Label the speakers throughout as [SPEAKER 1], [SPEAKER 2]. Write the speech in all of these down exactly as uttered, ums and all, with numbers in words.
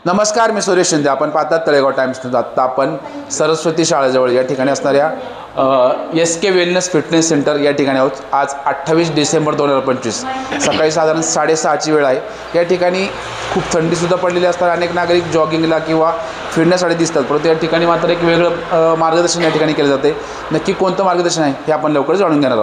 [SPEAKER 1] नमस्कार, मी सुरेश शिंदे. आपण पाहतात तळेगाव टाइम्स न्यूज. आत्ता आपण सरस्वती शाळेजवळ या ठिकाणी असणाऱ्या S K wellness fitness centre या ठिकाणी आहोत. आज अठ्ठावीस डिसेंबर दोन हजार पंचवीस सकाळी साधारण साडेसहाची वेळ आहे. या ठिकाणी खूप थंडीसुद्धा पडलेली असतात. अनेक नागरिक जॉगिंगला किंवा फिरण्यासाठी दिसतात, परंतु या ठिकाणी मात्र एक वेगळं मार्गदर्शन या ठिकाणी केलं जाते. नक्की कोणतं मार्गदर्शन आहे हे आपण लवकर जाणून घेणार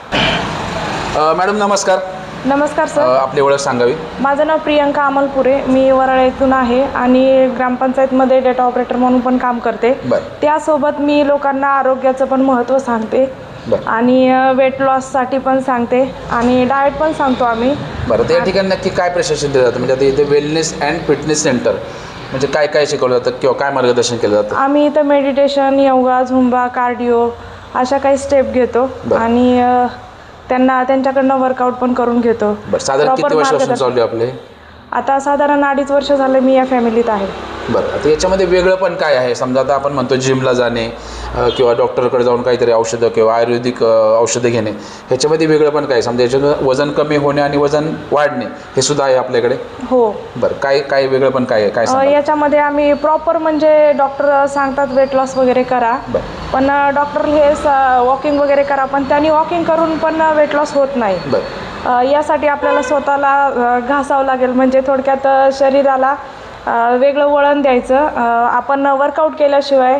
[SPEAKER 1] आहोत. मॅडम नमस्कार.
[SPEAKER 2] नमस्कार सर.
[SPEAKER 1] आपली ओळख सांगावी.
[SPEAKER 2] माझं नाव प्रियंका अमलपुरे. मी वराळा येथून आहे आणि ग्रामपंचायतमध्ये डेटा ऑपरेटर म्हणून पण काम करते. त्यासोबत मी लोकांना आरोग्याचं पण महत्त्व सांगते आणि वेट लॉससाठी पण सांगते आणि डाएट पण सांगतो आम्ही.
[SPEAKER 1] बरं, त्या ठिकाणी नक्की काय प्रशिक्षण दिलं जातं? म्हणजे आता इथे वेलनेस अँड फिटनेस सेंटर म्हणजे काय काय शिकवलं जातं किंवा काय मार्गदर्शन केलं जातं?
[SPEAKER 2] आम्ही इथं मेडिटेशन, योगा, झुंबा, कार्डिओ अशा काही स्टेप घेतो आणि त्यांना त्यांच्याकडनं वर्कआउट पण करून घेतो.
[SPEAKER 1] बरं, साधारण किती वर्षापासून चालू आहे आपले?
[SPEAKER 2] आता साधारण अडीच वर्ष झाले मी या फॅमिलीत आहे.
[SPEAKER 1] बरं, आता याच्यामध्ये वेगळं पण काय आहे? समजा आता आपण म्हणतो जिमला जाणे किंवा डॉक्टरकडे जाऊन काहीतरी औषधं किंवा आयुर्वेदिक औषधं घेणे, ह्याच्यामध्ये वेगळं पण काय? समजा याच्यातून वजन कमी होणे आणि वजन वाढणे हे सुद्धा आहे आपल्याकडे?
[SPEAKER 2] हो.
[SPEAKER 1] बरं, काय काय वेगळं पण काय आहे? काय
[SPEAKER 2] याच्यामध्ये आम्ही प्रॉपर म्हणजे डॉक्टर सांगतात वेट लॉस वगैरे करा, पण डॉक्टर हे वॉकिंग वगैरे करा, पण त्यांनी वॉकिंग करून पण वेट लॉस होत नाही. बरं, यासाठी आपल्याला स्वतःला घासावं लागेल. म्हणजे थोडक्यात शरीराला वेगळं वळण द्यायचं. आपण वर्कआउट केल्याशिवाय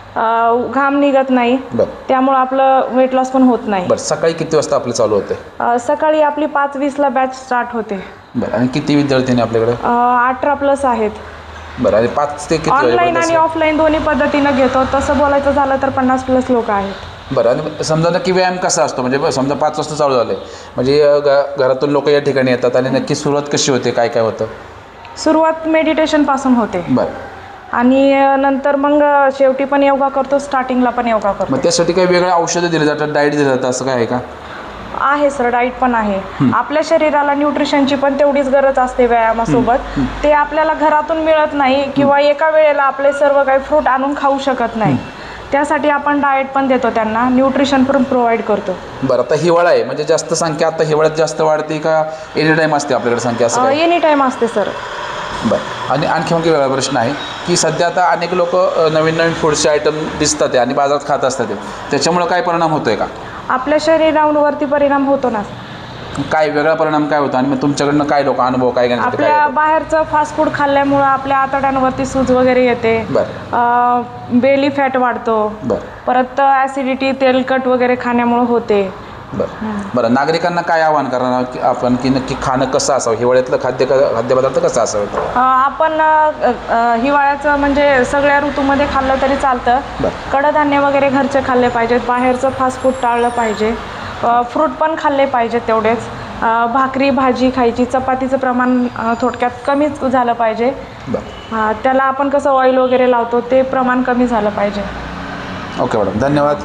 [SPEAKER 2] घाम निघत नाही, त्यामुळं आपलं वेट लॉस पण होत नाही.
[SPEAKER 1] बरं, सकाळी किती वाजता आपलं चालू होते?
[SPEAKER 2] सकाळी आपली पाच वीसला बॅच स्टार्ट होते.
[SPEAKER 1] बरं, आणि किती विद्यार्थी आपल्याकडे?
[SPEAKER 2] अठरा प्लस आहेत.
[SPEAKER 1] बरं, आणि पाच ते किती?
[SPEAKER 2] ऑनलाईन आणि ऑफलाईन दोन्ही पद्धतीनं घेतो. तसं बोलायचं झालं तर पन्नास प्लस लोक आहेत.
[SPEAKER 1] बरं, आणि समजा नक्की व्यायाम कसा असतो? म्हणजे समजा पाच वाजता चालू झालं म्हणजे घरातून लोक या ठिकाणी येतात आणि नक्की सुरुवात कशी होते? काय काय होतं?
[SPEAKER 2] सुरुवात मेडिटेशनपासून होते.
[SPEAKER 1] बरं,
[SPEAKER 2] आणि नंतर मग शेवटी पण योगा करतो, स्टार्टिंगला पण योगा करतो.
[SPEAKER 1] मग त्यासाठी काही वेगळ्या औषधं दिले जातात, डाएट दिलं जातं, असं काय आहे का?
[SPEAKER 2] आहे सर, डाईट पण आहे. आपल्या शरीराला न्यूट्रिशनची पण तेवढीच गरज असते व्यायामासोबत. ते आपल्याला घरातून मिळत नाही किंवा एका वेळेला आपले सर्व काही फ्रूट आणून खाऊ शकत नाही. त्यासाठी आपण डाएट पण देतो, त्यांना न्यूट्रिशन पण प्रोव्हाइड करतो.
[SPEAKER 1] बरं, आता हिवाळा आहे म्हणजे जास्त संख्या आता हिवाळ्यात जास्त वाढते का एनी टाईम असते आपल्याकडे संख्या? असं
[SPEAKER 2] एनी टाईम असते सर.
[SPEAKER 1] बरं, आणि आणखी मग वेगळा प्रश्न आहे की सध्या आता अनेक लोक नवीन नवीन फूडचे आयटम दिसतात आणि बाजारात खात असतात, त्याच्यामुळं काय परिणाम होतो आहे का?
[SPEAKER 2] आपल्या शरीरावरती परिणाम होतो ना.
[SPEAKER 1] काय वेगळा परिणाम काय होतो आणि मग तुमच्याकडनं काय लोक अनुभव काय घेण्यासाठी?
[SPEAKER 2] आपल्या बाहेरचं फास्ट फूड खाल्ल्यामुळं आपल्या आतड्यांवरती सूज वगैरे येते. बेली फॅट वाढतो. परत ॲसिडिटी, तेलकट वगैरे खाण्यामुळं होते.
[SPEAKER 1] बरं बरं नागरिकांना काय आवाहन करणार की आपण की नक्की खाणं कसं असावं? हिवाळ्यातलं खाद्य खाद्यपदार्थ कसं असावं?
[SPEAKER 2] आपण हिवाळ्याचं म्हणजे सगळ्या ऋतूमध्ये खाल्लं तरी चालतं. कडधान्य वगैरे घरचे खाल्ले पाहिजेत, बाहेरचं फास्ट फूड टाळलं पाहिजे. फ्रूट पण खाल्ले पाहिजेत तेवढेच. भाकरी भाजी खायची, चपातीचं प्रमाण थोडक्यात कमीच झालं पाहिजे. त्याला आपण कसं ऑइल वगैरे लावतो ते प्रमाण कमी झालं पाहिजे.
[SPEAKER 1] ओके मॅडम, धन्यवाद.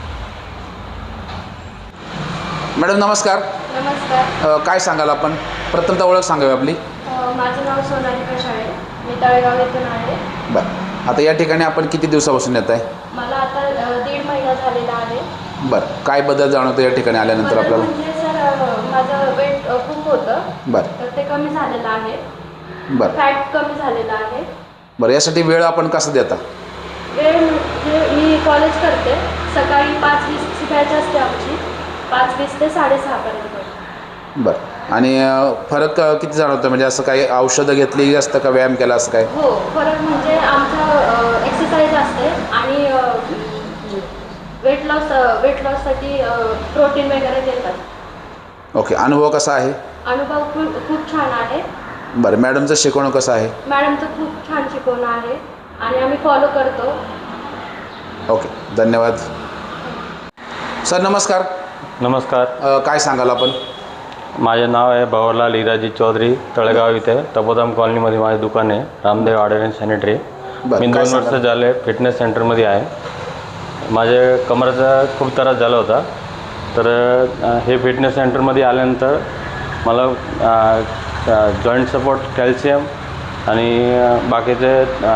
[SPEAKER 1] मॅडम नमस्कार.
[SPEAKER 3] नमस्कार.
[SPEAKER 1] काय सांगाल आपण? प्रथमतः ओळख सांगावी आपली.
[SPEAKER 3] माझं नाव सोनाली कशाळे, मी तळेगाव येथून आहे.
[SPEAKER 1] बरं, आता या ठिकाणी आपण किती दिवसापासून येत आहे?
[SPEAKER 3] मला आता दीड महिना झालेला आहे.
[SPEAKER 1] बरं, काय बदल जाणवतो या ठिकाणी आल्यानंतर आपल्याला?
[SPEAKER 3] म्हणजे सर माझं वेट खूप होतं.
[SPEAKER 1] बरं,
[SPEAKER 3] तर ते कमी झालेलं आहे.
[SPEAKER 1] बरं,
[SPEAKER 3] फॅट कमी झालेलं आहे.
[SPEAKER 1] बरं, यासाठी वेळ आपण कसं देता?
[SPEAKER 3] वेळ म्हणजे मी कॉलेज करते. सकाळी पाच वीसची बॅच असते आमची, पाच वीस ते साडेसहापर्यंत.
[SPEAKER 1] बरं, आणि फरक किती जाणवतं? म्हणजे असं काही औषधं घेतली असतं का व्यायाम केला असं काय?
[SPEAKER 3] हो, फरक म्हणजे आमचं एक्सरसाइज असते आणि वेट लॉस वेट लॉससाठी प्रोटीन वगैरे देतात.
[SPEAKER 1] ओके, अनुभव कसा आहे?
[SPEAKER 3] अनुभव खूप खूप छान आहे.
[SPEAKER 1] बरं, मॅडमचं शिकवणं कसं आहे?
[SPEAKER 3] मॅडमचं खूप छान शिकवणं आहे आणि आम्ही फॉलो करतो.
[SPEAKER 1] ओके, धन्यवाद. सर नमस्कार.
[SPEAKER 4] नमस्कार.
[SPEAKER 1] काय सांगाल आपण?
[SPEAKER 4] माझे नाव आहे भवरलाल इराजी चौधरी. तळेगाव इथे तपोधाम कॉलनीमध्ये माझे दुकान आहे, रामदेव आर्ट अँड सॅनिटरी. मी दोन वर्ष झाले फिटनेस सेंटरमध्ये आहे. माझे कमरेचा खूप त्रास झाला होता, तर हे फिटनेस सेंटरमध्ये आल्यानंतर मला जॉईंट सपोर्ट, कॅल्शियम आणि बाकीचे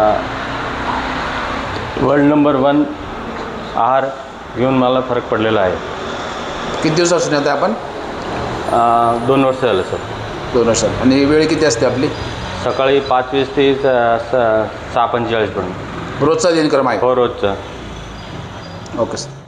[SPEAKER 4] वर्ल्ड नंबर वन आहार घेऊन मला फरक पडलेला आहे.
[SPEAKER 1] किती दिवसापासून येत आहे आपण?
[SPEAKER 4] दोन वर्ष झाले सर.
[SPEAKER 1] दोन वर्ष. आणि वेळ किती असते आपली?
[SPEAKER 4] सकाळी पाच वीस ते स- स- सहा पंचेचाळीसपर्यंत
[SPEAKER 1] रोजचा दिनक्रम आहे.
[SPEAKER 4] हो रोजचं.
[SPEAKER 1] Okay sir.